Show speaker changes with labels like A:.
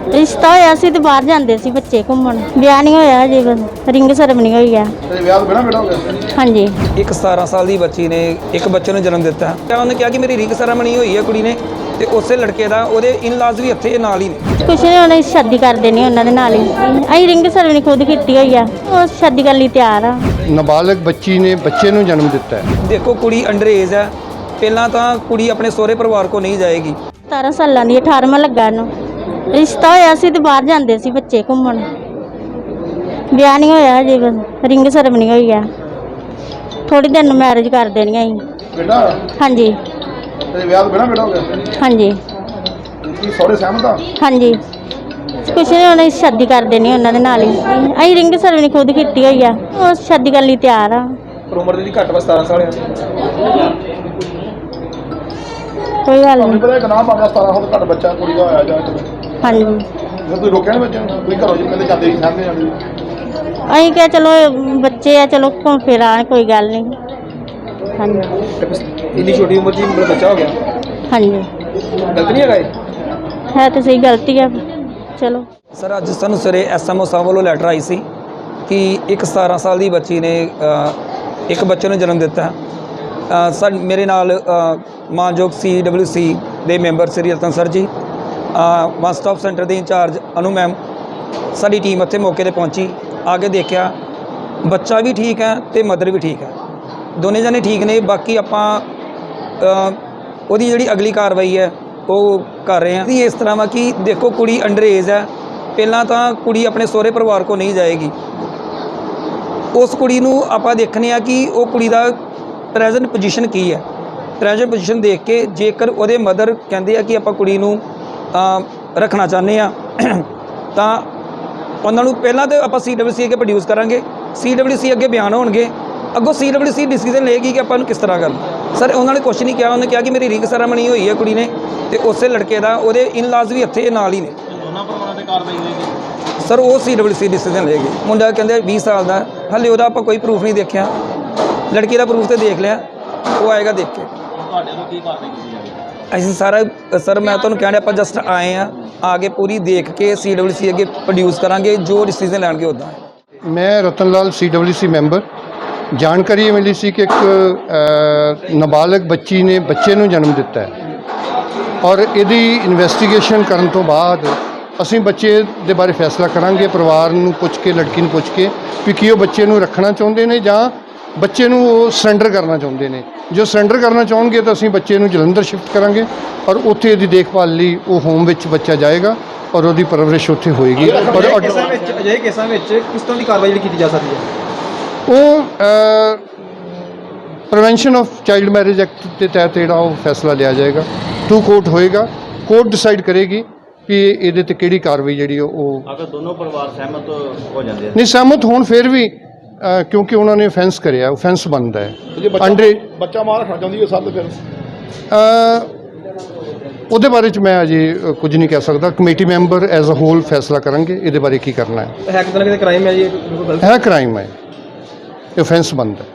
A: ਰਿਸ਼ਤਾ ਹੋਇਆ ਸੀ ਤੇ ਬਾਹਰ ਜਾਂਦੇ ਸੀ ਬੱਚੇ ਘੁੰਮਣ। ਵਿਆਹ ਨਹੀਂ ਹੋਇਆ ਹਜੇ, ਬਸ ਰਿੰਗ ਸੈਰੇਮਨੀ ਹੋਈ ਆ।
B: ਤੇ ਵਿਆਹ ਤੋਂ ਬਿਨਾਂ ਹੋ ਗਿਆ?
A: ਹਾਂਜੀ।
C: ਇੱਕ 17 ਸਾਲ ਦੀ ਬੱਚੀ ਨੇ ਇੱਕ ਬੱਚੇ ਨੂੰ ਜਨਮ ਦਿੱਤਾ ਤਾਂ ਉਹਨੇ ਕਿਹਾ ਕਿ ਮੇਰੀ ਰਿੰਗ ਸੈਰੇਮਨੀ ਹੋਈ ਹੈ ਕੁੜੀ ਨੇ, ਤੇ ਉਸੇ ਲੜਕੇ ਦਾ ਉਹਦੇ ਇਨ-ਲਾਜ਼ ਵੀ ਇੱਥੇ ਨਾਲ ਹੀ ਨੇ।
A: ਕੁਛ ਨਹੀਂ, ਉਹਨੇ ਸ਼ਾਦੀ ਕਰ ਦੇਣੀ ਉਹਨਾਂ ਦੇ ਨਾਲ ਹੀ। ਅਸੀਂ ਰਿੰਗ ਸੈਰੇਮਨੀ ਖੁਦ ਕੀਤੀ ਹੋਈ ਆ, ਉਹ ਸ਼ਾਦੀ ਕਰਨ ਲਈ ਤਿਆਰ ਆ।
B: ਨਾਬਾਲਗ ਬੱਚੀ ਨੇ ਬੱਚੇ ਨੂੰ ਜਨਮ ਦਿੱਤਾ ਹੈ।
C: ਦੇਖੋ ਕੁੜੀ ਅੰਡਰ ਏਜ ਹੈ, ਪਹਿਲਾਂ ਤਾਂ ਕੁੜੀ ਆਪਣੇ ਸਹੁਰੇ ਪਰਿਵਾਰ ਕੋ ਨਹੀਂ ਜਾਏਗੀ।
A: 17 ਸਾਲਾਂ ਦੀ, 18ਵਾਂ ਲੱਗਾ ਇਹਨੂੰ। ਰਿਸ਼ਤਾ ਹੋਇਆ ਸੀ ਤੇ ਬਾਹਰ ਜਾਂਦੇ ਸੀ ਬੱਚੇ ਘੁੰਮਣ। ਵਿਆਹ ਨਹੀਂ ਹੋਇਆ ਹਜੇ, ਬਸ ਰਿੰਗ ਸੈਰੇਮਨੀ ਹੋਈ ਆ। ਥੋੜੀ ਦਿਨ ਨੂੰ ਮੈਰਿਜ ਕਰ ਦੇਣੀ ਅਸੀਂ।
B: ਬੇਟਾ
A: ਹਾਂਜੀ।
B: ਤੇ ਵਿਆਹ ਤੋਂ ਬਿਨਾਂ ਹੋ ਗਿਆ?
A: ਹਾਂਜੀ।
B: ਕੀ ਸਹੁਰੇ ਸਹਿਮਤ ਆ?
A: ਹਾਂਜੀ। ਕੁਛ ਨਹੀਂ, ਉਹਨੇ ਸ਼ਾਦੀ ਕਰ ਦੇਣੀ ਉਹਨਾਂ ਦੇ ਨਾਲ ਹੀ। ਅਸੀਂ ਰਿੰਗ ਸੈਰੇਮਨੀ ਖੁਦ ਕੀਤੀ ਹੋਈ ਆ, ਉਹ ਸ਼ਾਦੀ ਕਰਨ ਲਈ ਤਿਆਰ ਆ।
C: ਪਰ ਉਮਰ ਦੀ ਘੱਟ ਵਾ 17 ਸਾਲ ਆ।
A: ਕੋਈ ਗੱਲ
B: ਤੁਹਾਨੂੰ
A: ਨਹੀਂ।
B: ਪਤਾ ਇੱਕ ਨਾਮ ਆ ਗਿਆ 17 ਸਾਲ ਘੱਟ ਬੱਚਾ ਕੁੜੀ ਦਾ ਹੋਇਆ ਜਾਂ
A: ਹਾਂਜੀ।
B: ਜੇ ਕੋਈ ਰੋਕਿਆ ਨਹੀਂ ਬੱਚੇ ਨੂੰ? ਕੋਈ ਘਰੋਂ ਜਿਵੇਂ ਕਹਿੰਦੇ ਜਾਂਦੇ ਹੀ ਸਾਹਮਣੇ ਜਾਂਦੇ।
A: ਅਸੀਂ ਕਿਹਾ ਚਲੋ ਬੱਚੇ ਆ, ਚਲੋ ਘੁੰਮ ਫਿਰ ਆਉਣ, ਕੋਈ ਗੱਲ ਨਹੀਂ। ਹਾਂਜੀ।
C: ਇੰਨੀ ਛੋਟੀ ਉਮਰ 'ਚ ਹੀ ਮੇਰਾ ਬੱਚਾ ਹੋ ਗਿਆ,
A: ਹਾਂਜੀ।
C: ਗਲਤ ਨਹੀਂ ਹੈਗਾ ਇਹ?
A: ਹੈ ਤਾਂ ਸਹੀ, ਗਲਤੀ ਆ। ਚਲੋ।
C: ਸਰ ਅੱਜ ਸਾਨੂੰ ਸਵੇਰੇ ਐਸਐਮਓ ਸਾਹਿਬ ਵੱਲੋਂ ਲੈਟਰ ਆਈ ਸੀ ਕਿ ਇੱਕ 17 ਸਾਲ ਦੀ ਬੱਚੀ ਨੇ ਇੱਕ ਬੱਚੇ ਨੂੰ ਜਨਮ ਦਿੱਤਾ। ਮੇਰੇ ਨਾਲ ਮਾਨਯੋਗ CWC ਦੇ member Shri Ratan sir ji, one stop centre ਦੇ ਇੰਚਾਰਜ ਅਨੂ ਮੈਮ, ਸਾਡੀ ਟੀਮ ਉੱਥੇ ਮੌਕੇ 'ਤੇ ਪਹੁੰਚੀ। ਆ ਕੇ ਦੇਖਿਆ ਬੱਚਾ ਵੀ ਠੀਕ ਹੈ ਅਤੇ ਮਦਰ ਵੀ ਠੀਕ ਹੈ, ਦੋਨੇ ਜਣੇ ਠੀਕ ਨੇ। ਬਾਕੀ ਆਪਾਂ ਉਹਦੀ ਜਿਹੜੀ ਅਗਲੀ ਕਾਰਵਾਈ ਹੈ ਉਹ ਕਰ ਰਹੇ ਹਾਂ। ਇਸ ਤਰ੍ਹਾਂ ਵਾ ਕਿ ਦੇਖੋ ਕੁੜੀ ਅੰਡਰ ਏਜ ਹੈ, ਪਹਿਲਾਂ ਤਾਂ ਕੁੜੀ ਆਪਣੇ ਸਹੁਰੇ ਪਰਿਵਾਰ ਕੋ ਨਹੀਂ ਜਾਏਗੀ। ਉਸ ਕੁੜੀ ਨੂੰ ਆਪਾਂ ਦੇਖਦੇ ਹਾਂ ਕਿ ਉਹ ਕੁੜੀ ਦਾ ਪ੍ਰੈਜ਼ੈਂਟ ਪੋਜੀਸ਼ਨ ਕੀ ਹੈ। ਪ੍ਰੈਜ਼ੈਂਟ ਪੋਜੀਸ਼ਨ ਦੇਖ ਕੇ ਜੇਕਰ ਉਹਦੇ ਮਦਰ ਕਹਿੰਦੇ ਆ ਕਿ ਆਪਾਂ ਕੁੜੀ ਨੂੰ ਰੱਖਣਾ ਚਾਹੁੰਦੇ ਆ ਤਾਂ ਉਹਨਾਂ ਨੂੰ ਪਹਿਲਾਂ ਤਾਂ ਆਪਾਂ CWC ਅੱਗੇ ਪ੍ਰੋਡਿਊਸ ਕਰਾਂਗੇ। CWC ਅੱਗੇ ਬਿਆਨ ਹੋਣਗੇ, ਅੱਗੋਂ CWC ਡਿਸੀਜ਼ਨ ਲਏਗੀ ਕਿ ਆਪਾਂ ਨੂੰ ਕਿਸ ਤਰ੍ਹਾਂ ਕਰਨਾ। ਸਰ ਉਹਨਾਂ ਨੇ ਕੁਛ ਨਹੀਂ ਕਿਹਾ, ਉਹਨੇ ਕਿਹਾ ਕਿ ਮੇਰੀ ਰਿੰਗ ਸੈਰੇਮਨੀ ਹੋਈ ਹੈ ਕੁੜੀ ਨੇ, ਤੇ ਉਸੇ ਲੜਕੇ ਦਾ ਉਹਦੇ ਇਨ-ਲਾਜ਼ ਵੀ ਇੱਥੇ ਨਾਲ ਹੀ ਨੇ।
D: ਦੋਨਾਂ ਪਰਿਵਾਰਾਂ ਤੇ ਕਾਰਵਾਈ ਹੋਏਗੀ
C: ਸਰ ਉਹ CWC ਡਿਸੀਜ਼ਨ ਲਏਗੀ। ਮੁੰਡਾ ਕਹਿੰਦੇ 20 ਸਾਲ ਦਾ, ਹਾਲੇ ਉਹਦਾ ਆਪਾਂ ਕੋਈ ਪ੍ਰੂਫ ਨਹੀਂ ਦੇਖਿਆ। ਲੜਕੀ ਦਾ ਪ੍ਰੂਫ ਤੇ ਦੇਖ ਲਿਆ, ਉਹ ਆਏਗਾ ਦੇਖ ਕੇ।
D: ਤੁਹਾਡੇ ਤੋਂ ਕੀ ਕਾਰਵਾਈ ਕੀਤੀ ਜਾਏਗੀ?
C: ਅਸੀਂ ਸਾਰਾ ਸਰ ਮੈਂ ਤੁਹਾਨੂੰ ਕਹਿਣਾ, ਆਪਾਂ ਜਸਟ ਆਏ ਆ, ਆ ਕੇ ਪੂਰੀ ਦੇਖ ਕੇ CWC ਅੱਗੇ ਪ੍ਰੋਡਿਊਸ ਕਰਾਂਗੇ, ਜੋ ਡਿਸੀਜ਼ਨ ਲੈਣਗੇ ਉੱਦਾਂ।
B: ਮੈਂ ਰਤਨ ਲਾਲ CWC ਮੈਂਬਰ। ਜਾਣਕਾਰੀ ਇਹ ਮਿਲੀ ਸੀ ਕਿ ਇੱਕ ਨਾਬਾਲਗ ਬੱਚੀ ਨੇ ਬੱਚੇ ਨੂੰ ਜਨਮ ਦਿੱਤਾ ਹੈ, ਔਰ ਇਹਦੀ ਇਨਵੈਸਟੀਗੇਸ਼ਨ ਕਰਨ ਤੋਂ ਬਾਅਦ ਅਸੀਂ ਬੱਚੇ ਦੇ ਬਾਰੇ ਫੈਸਲਾ ਕਰਾਂਗੇ। ਪਰਿਵਾਰ ਨੂੰ ਪੁੱਛ ਕੇ, ਲੜਕੀ ਨੂੰ ਪੁੱਛ ਕੇ ਵੀ ਕੀ ਉਹ ਬੱਚੇ ਨੂੰ ਰੱਖਣਾ ਚਾਹੁੰਦੇ ਨੇ ਜਾਂ ਬੱਚੇ ਨੂੰ ਉਹ ਸਰੈਂਡਰ ਕਰਨਾ ਚਾਹੁੰਦੇ ਨੇ। ਜੋ ਸਰੈਂਡਰ ਕਰਨਾ ਚਾਹੁੰਗੇ ਤਾਂ ਅਸੀਂ ਬੱਚੇ ਨੂੰ ਜਲੰਧਰ ਸ਼ਿਫਟ ਕਰਾਂਗੇ, ਔਰ ਉੱਥੇ ਇਹਦੀ ਦੇਖਭਾਲ ਲਈ ਉਹ ਹੋਮ ਵਿੱਚ ਬੱਚਾ ਜਾਏਗਾ ਔਰ ਉਹਦੀ ਪਰਵਰਿਸ਼ ਉੱਥੇ ਹੋਏਗੀ। ਔਰ
C: ਅਜਿਹੇ ਕੇਸਾਂ ਵਿੱਚ ਕਿਸ ਤਰ੍ਹਾਂ ਦੀ ਕਾਰਵਾਈ ਕੀਤੀ ਜਾ ਸਕਦੀ ਹੈ?
B: ਉਹ prevention of child marriage act ਦੇ ਤਹਿਤ ਜਿਹੜਾ ਉਹ ਫੈਸਲਾ ਲਿਆ ਜਾਏਗਾ। ਟੂ ਕੋਰਟ ਹੋਏਗਾ, ਕੋਰਟ ਡਿਸਾਈਡ ਕਰੇਗੀ ਕਿ ਇਹਦੇ 'ਤੇ ਕਿਹੜੀ ਕਾਰਵਾਈ ਜਿਹੜੀ ਉਹ।
D: ਅਗਰ ਦੋਨੋਂ ਪਰਿਵਾਰ ਸਹਿਮਤ ਹੋ ਜਾਂਦੇ
B: ਨਹੀਂ ਸਹਿਮਤ ਹੋਣ ਫਿਰ ਵੀ ਕਿਉਂਕਿ ਉਹਨਾਂ ਨੇ offense ਕਰਿਆ, offense ਬਣਦਾ ਹੈ।
E: ਬੱਚਾ ਮਾਂ ਰੱਖਣਾ ਚਾਹੁੰਦੀ ਹੈ ਸਭ ਤੋਂ ਫਿਰ
B: ਉਹਦੇ ਬਾਰੇ 'ਚ ਮੈਂ ਅਜੇ ਕੁਝ ਨਹੀਂ ਕਹਿ ਸਕਦਾ। Committee member as a whole ਫੈਸਲਾ ਕਰਾਂਗੇ ਇਹਦੇ ਬਾਰੇ ਕੀ ਕਰਨਾ ਹੈ।
C: ਹੈ ਕਿਤੇ ਨਾ ਕਿਤੇ ਕ੍ਰਾਈਮ ਹੈ ਜੀ,
B: ਹੈ ਕ੍ਰਾਈਮ ਹੈ, offense ਬਣਦਾ ਹੈ।